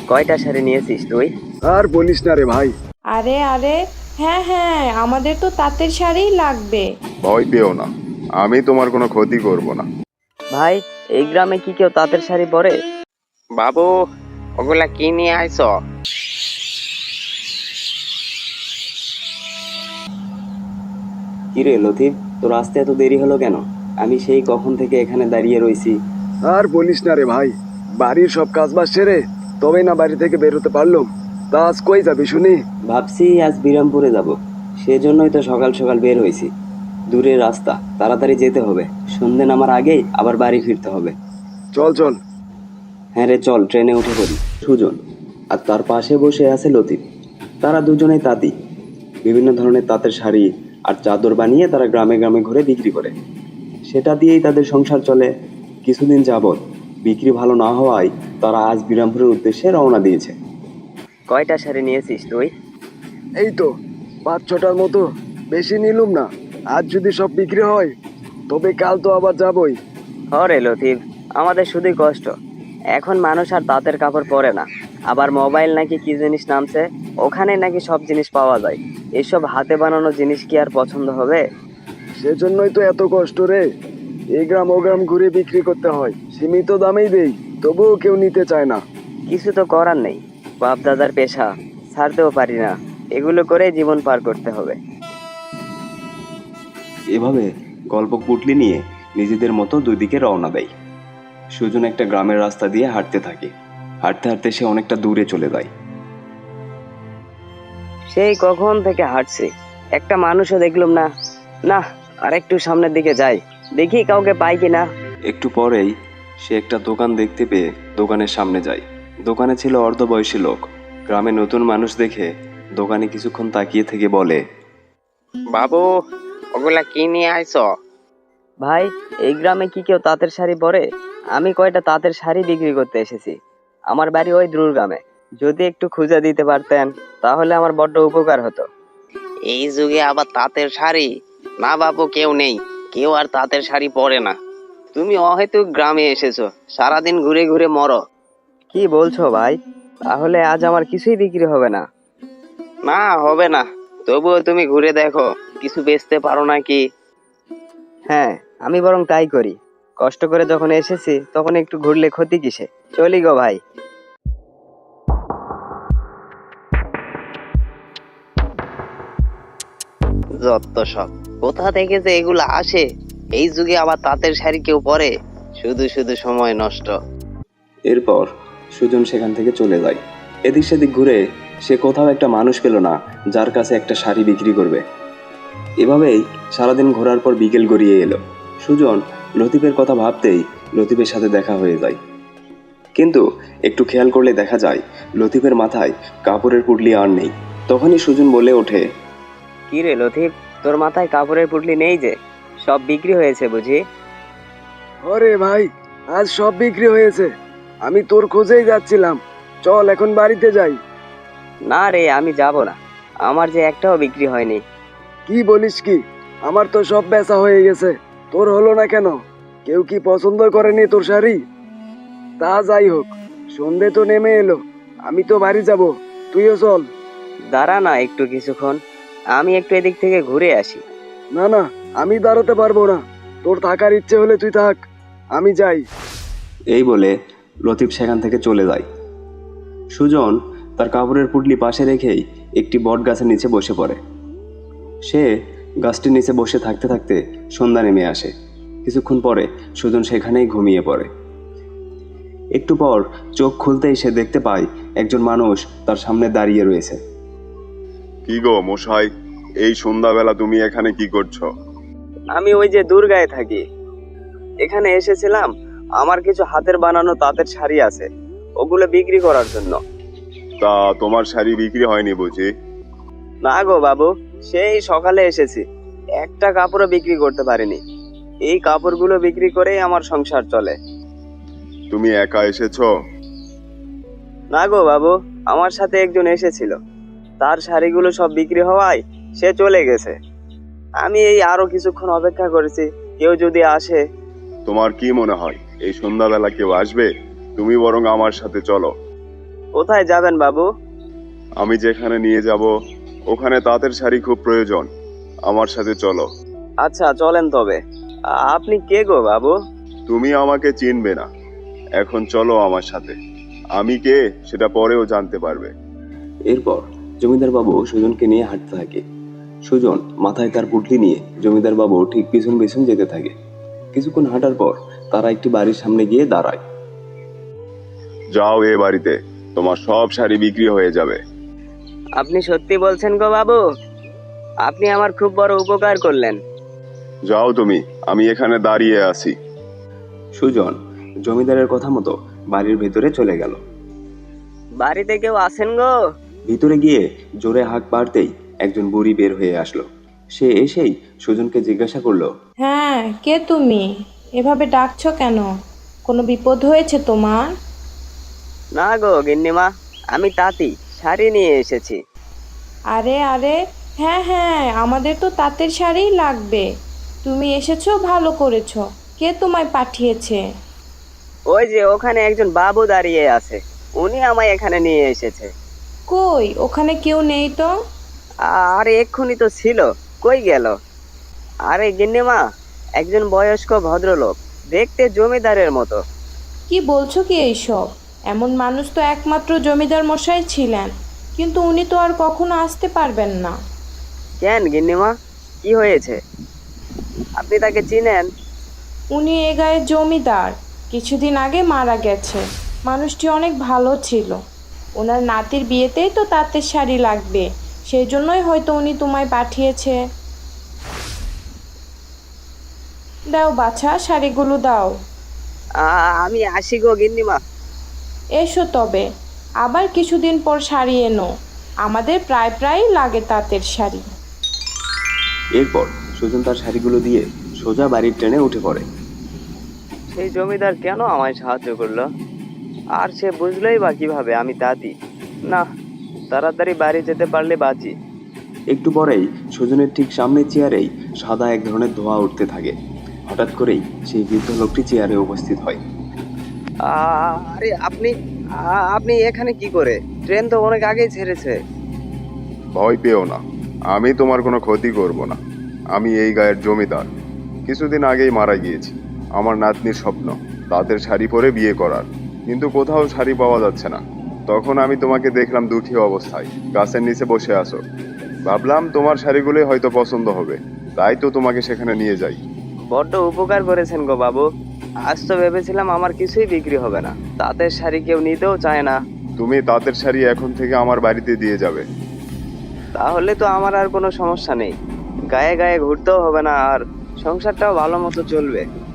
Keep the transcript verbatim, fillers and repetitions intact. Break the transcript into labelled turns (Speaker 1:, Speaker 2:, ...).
Speaker 1: কয়টা শাড়ি নিয়েছিস তুই?
Speaker 2: আর বলিস না রে ভাই।
Speaker 3: আরে আরে, হ্যাঁ হ্যাঁ, আমাদের তো তাঁতের শাড়িই লাগবে।
Speaker 4: ভয় পেও না, আমি তোমার কোনো ক্ষতি করব না।
Speaker 1: ভাই, এই গ্রামে কি কেউ তাঁতের শাড়ি পরে?
Speaker 5: বাবু, ওগুলা কি নিয়ে আইছ?
Speaker 1: কিরে লতিফ, তোর আসতে এত দেরি হলো কেন? আমি সেই কখন থেকে এখানে দাঁড়িয়ে রয়েছি।
Speaker 2: আর বলিস না রে ভাই, বাড়ির সব কাজ বাজ সেরে তবে না বাড়ি থেকে বের হতে পারলাম। তা আজ কই যাবি শুনি?
Speaker 1: ভাবছি আজ বিরামপুরে যাব, সেজন্যই তো সকাল সকাল বের হয়েছি। দূরের রাস্তা, তাড়াতাড়ি যেতে হবে, সন্ধে নামার আগেই আবার বাড়ি ফিরতে হবে।
Speaker 2: চল চল।
Speaker 1: হ্যাঁ রে, চল ট্রেনে উঠে পড়ি। সুজন আর তার পাশে বসে আছে লতিফ। তারা দুজনেই তাঁতি। বিভিন্ন ধরনের তাঁতের শাড়ি আর চাদর বানিয়ে তারা গ্রামে গ্রামে ঘুরে বিক্রি করে। সেটা দিয়েই তাদের সংসার চলে। কিছুদিন যাবৎ বিক্রি ভালো না হওয়ায় তারা আজ বিরামপুরের উদ্দেশ্যে রওনা দিয়েছে। কয়টা শাড়ি নিয়েছিস তুই?
Speaker 2: এই তো পাঁচ ছটার মতো, বেশি নিলুম না। আজ যদি সব বিক্রি হয় তবে কাল তো আবার যাবই।
Speaker 1: হরে লতিফ, আমাদের শুধুই কষ্ট। এখন মানুষ আর তাঁতের কাপড় পরে না। আবার মোবাইল নাকি কি জিনিস নামছে, ওখানে নাকি সব জিনিস পাওয়া যায়। এসব হাতে বানানো জিনিস কি আর পছন্দ হবে?
Speaker 2: সেজন্যই তো এত কষ্ট রে। এই গ্রাম ও গ্রাম ঘুরে বিক্রি করতে হয়, সীমিত দামেই দেই, তবুও কেউ নিতে চায় না।
Speaker 1: কিছু তো করার নেই, বাপ দাদার পেশা, ছাড়তেও পারি না। এগুলো করে জীবন পার করতে হবে। এভাবে গল্প পুটলি নিয়ে নিজেদের মতো দুই দিকে রওনা দেয়। সুজন একটা গ্রামের রাস্তা দিয়ে হাঁটতে থাকে। হাঁটতে হাঁটতে সে অনেকটা দূরে চলে যায়। সেই কখন থেকে হাঁটছে, একটা মানুষও দেখলাম না। না, আর একটু সামনের দিকে যাই, দেখি কাউকে পাই কিনা। একটু পরেই সে একটা দোকান দেখতে পেয়ে দোকানের সামনে যায়। দোকানে ছিল অর্ধবয়সী লোক। গ্রামে নতুন মানুষ দেখে দোকানে কিছুক্ষণ তাকিয়ে থেকে বলে,
Speaker 5: বাবু, ওগুলা কি নিয়ে আইছ?
Speaker 1: ভাই, এই গ্রামে কি কেউ তাঁতের শাড়ি পরে? আমি কয়টা তাঁতের শাড়ি বিক্রি করতে এসেছি। আমার বাড়ি ওই দূর গ্রামে। যদি একটু খুঁজে দিতে পারতেন তাহলে আমার বড্ড উপকার হতো।
Speaker 5: এই যুগে আবার তাঁতের শাড়ি? না বাবু, কেউ নেই, কেউ আর তাঁতের শাড়ি পরে না। তুমি অহেতুক গ্রামে এসেছো, সারাদিন ঘুরে ঘুরে মরো।
Speaker 1: কি বলছো ভাই? তাহলে আজ আমার কিছুই বিক্রি হবে না?
Speaker 5: না, হবে না। তবুও তুমি ঘুরে দেখো, কিছু বেচতে পারো নাকি।
Speaker 1: হ্যাঁ, আমি বরং তাই করি। কষ্ট করে যখন এসেছি তখন একটু ঘুরলে ক্ষতি কিসে? চলি গো ভাই।
Speaker 5: যত সব, কোথা থেকে যে এগুলো আসে? এই যুগে আবার তাঁতের শাড়ি কেউ পরে? শুধু শুধু সময় নষ্ট।
Speaker 1: এরপর সুজন সেখান থেকে চলে যায়। এদিক সেদিক ঘুরে সে কোথাও একটা মানুষ পেল না যার কাছে একটা শাড়ি বিক্রি করবে। এভাবেই সারাদিন ঘোরার পর বিকেল গড়িয়ে এলো। সুজন লতিফের কথা ভাবতেই লতিফের সাথে দেখা হয়ে যায়। কিন্তু একটু খেয়াল করলে দেখা যায় লতিফের মাথায় কাপড়ের পুটলি আর নেই। তখনই সুজন বলে ওঠে, কি রে লতিফ, তোর মাথায় কাপড়ের পুটলি নেই যে? সব বিক্রি হয়েছে বুঝি?
Speaker 2: ওরে ভাই, আজ সব বিক্রি হয়েছে। আমি তোর খোঁজেই যাচ্ছিলাম। চল এখন বাড়িতে যাই।
Speaker 1: না রে, আমি যাব না। আমার যে একটাও বিক্রি হয়নি।
Speaker 2: কি বলিস কি? আমার তো সব বেচা হয়ে গেছে, তোর হলো না কেন? কেউ কি পছন্দ করেনি তোর শাড়ি? তা যাই হোক, সন্ধে তো নেমে এলো, আমি তো বাড়ি যাব, তুইও চল।
Speaker 1: দাঁড়া না একটু কিছুক্ষণ, আমি একটু এদিক থেকে ঘুরে আসি।
Speaker 2: না না, আমি দাঁড়াতে পারবো না। তোর থাকার ইচ্ছে হলে তুই থাক, আমি যাই।
Speaker 1: এই বলে লতিফ সেখান থেকে চলে যায়। সুজন তার কাপড়ের পুটলি পাশে রেখেই একটি বট গাছের নিচে বসে পড়ে। সে গাছটির নিচে বসে থাকতে থাকতে সন্ধ্যা নেমে আসে। কিছুক্ষণ পরে সুজন সেখানেই ঘুমিয়ে পড়ে। একটু পর চোখ খুলতেই সে দেখতে পায় একজন মানুষ তার সামনে দাঁড়িয়ে রয়েছে।
Speaker 4: কি গো মশাই, এই সন্ধ্যাবেলা তুমি এখানে কি করছো?
Speaker 1: আমি ওই যে দুর্গায় থাকি, এখানে এসেছিলাম। আমার কিছু হাতের বানানো তাঁতের শাড়ি আছে, ওগুলো বিক্রি করার জন্য।
Speaker 4: তা তোমার শাড়ি বিক্রি হয়নি বুঝি?
Speaker 1: না গো বাবু, সেই সকালে এসেছি, একটা কাপড়ও বিক্রি করতে পারিনি। এই কাপড়গুলো বিক্রি করেই আমার সংসার চলে।
Speaker 4: তুমি একা এসেছো?
Speaker 1: না গো বাবু, আমার সাথে একজন এসেছিল। তার শাড়িগুলো সব বিক্রি হওয়ায় সে চলে গেছে। আমি এই আরো কিছুক্ষণ অপেক্ষা করেছি, কেউ যদি আসে।
Speaker 4: তোমার কি মনে হয় এই সন্ধ্যাবেলা কেউ আসবে? তুমি বরং আমার সাথে চলো।
Speaker 5: কোথায় যাবেন বাবু?
Speaker 4: আমি যেখানে নিয়ে যাব ওখানে তাঁতের শাড়ি খুব প্রয়োজন, আমার সাথে চলো।
Speaker 5: আচ্ছা চলেন তবে। আ- আপনি কে গো বাবু?
Speaker 4: তুমি আমাকে চিনবে না, এখন চলো আমার সাথে। আমি কে সেটা পরেও জানতে পারবে।
Speaker 1: এরপর জমিদার বাবু সুজনকে নিয়ে হাঁটতে থাকে। সুজন মাথায় তার পুটলি নিয়ে জমিদার বাবু ঠিক পিছন পিছন যেতে থাকে। কিছুক্ষণ হাঁটার পর তারা একটি বাড়ির সামনে গিয়ে দাঁড়ায়।
Speaker 4: যাও এ বাড়িতে, তোমার সব শাড়ি বিক্রি হয়ে যাবে।
Speaker 5: আপনি সত্যি বলছেন গো বাবু? আপনি আমার খুব বড় উপকার করলেন।
Speaker 4: যাও তুমি, আমি এখানে দাঁড়িয়ে আছি।
Speaker 1: সুজন জমিদারের কথা মতো বাড়ির ভেতরে চলে গেল।
Speaker 5: বাড়িতে কেউ আছেন গো?
Speaker 1: ভিতরে গিয়ে জোরে হাঁক পাড়তেই একজন বুড়ি বের হয়ে আসলো। সে এসেই সুজনকে জিজ্ঞাসা করলো,
Speaker 3: হ্যাঁ, কে তুমি? এভাবে ডাকছো কেন? কোনো বিপদ হয়েছে তোমার?
Speaker 5: না গো গিন্নিমা, আমি তাঁতি শাড়ি নিয়ে এসেছি।
Speaker 3: আরে আরে, হ্যাঁ হ্যাঁ, আমাদের তো তাঁতের শাড়িই লাগবে। তুমি এসেছো, ভালো করেছো। কে তোমায় পাঠিয়েছে?
Speaker 5: ওই যে ওখানে একজন বাবু দাঁড়িয়ে আছে, উনি আমায় এখানে নিয়ে এসেছে।
Speaker 3: কই, ওখানে কেউ নেই তো।
Speaker 5: আরে এক্ষুনি তো ছিল, কই গেল? আরে গিন্নিমা, একজন বয়স্ক ভদ্রলোক, দেখতে জমিদারের মতো।
Speaker 3: কি বলছো কি এইসব? এমন মানুষ তো একমাত্র জমিদার মশাই ছিলেন, কিন্তু উনি তো আর কখনো আসতে পারবেন না।
Speaker 5: কেন গিন্নিমা, কি হয়েছে? আপনি তাকে চিনেন?
Speaker 3: উনি এ গায়ের জমিদার, কিছুদিন আগে মারা গেছে। মানুষটি অনেক ভালো ছিল। ওনার নাতির বিয়েতেই তো তাঁতের শাড়ি লাগবে, সেই জন্যই হয়তো উনি তোমায় পাঠিয়েছে। দাও বাছা, শাড়িগুলো দাও।
Speaker 5: আ- আমি আসি গো গিন্নিমা।
Speaker 3: এসো তবে, আবার কিছুদিন পর শাড়ি এনো। আমাদের প্রায় প্রায় লাগে তাঁতের শাড়ি।
Speaker 1: এরপর সুজন তার শাড়িগুলো দিয়ে সোজা বাড়ির ট্রেনে উঠে পড়ে।
Speaker 5: সেই জমিদার কেন আমায় সাহায্য করলো? আর সে বুঝলোই বা কিভাবে আমি তাঁতি? না, তাড়াতাড়ি বাড়ি যেতে পারলে বাঁচি।
Speaker 1: একটু পরেই সুজনের ঠিক সামনের চেয়ারেই সাদা এক ধরনের ধোঁয়া উঠতে থাকে। হঠাৎ করেই সেই বৃদ্ধ লোকটি চেয়ারে উপস্থিত হয়।
Speaker 5: আ- আরে আপনি আ- আপনি এখানে কি করে? ট্রেন তো অনেক আগেই ছেড়েছে।
Speaker 4: ভয় পেও না, আমি তোমার কোনো ক্ষতি করব না। আমি এই গায়ের জমিদার, কিছুদিন আগেই মারা গিয়েছি। আমার নাতনির স্বপ্ন তাদের শাড়ি পরে বিয়ে করার, কিন্তু কোথাও শাড়ি পাওয়া যাচ্ছে না। তখন আমি তোমাকে দেখলাম দুঃখী অবস্থায় গাছের নিচে বসে আছো। ভাবলাম তোমার শাড়িগুলোই হয়তো পছন্দ হবে, তাই তো তোমাকে সেখানে নিয়ে যাই।
Speaker 5: বড্ড উপকার করেছেন গো বাবু। আজ তো ভেবেছিলাম আমার কিছুই বিক্রি হবে না, তাঁতের শাড়ি কেউ নিতেও চায় না।
Speaker 4: তুমি তাঁতের শাড়ি এখন থেকে আমার বাড়িতে দিয়ে যাবে।
Speaker 5: তাহলে তো আমার আর কোনো সমস্যা নেই, গায়ে গায়ে ঘুরতেও হবে না, আর সংসারটাও ভালো মতো চলবে।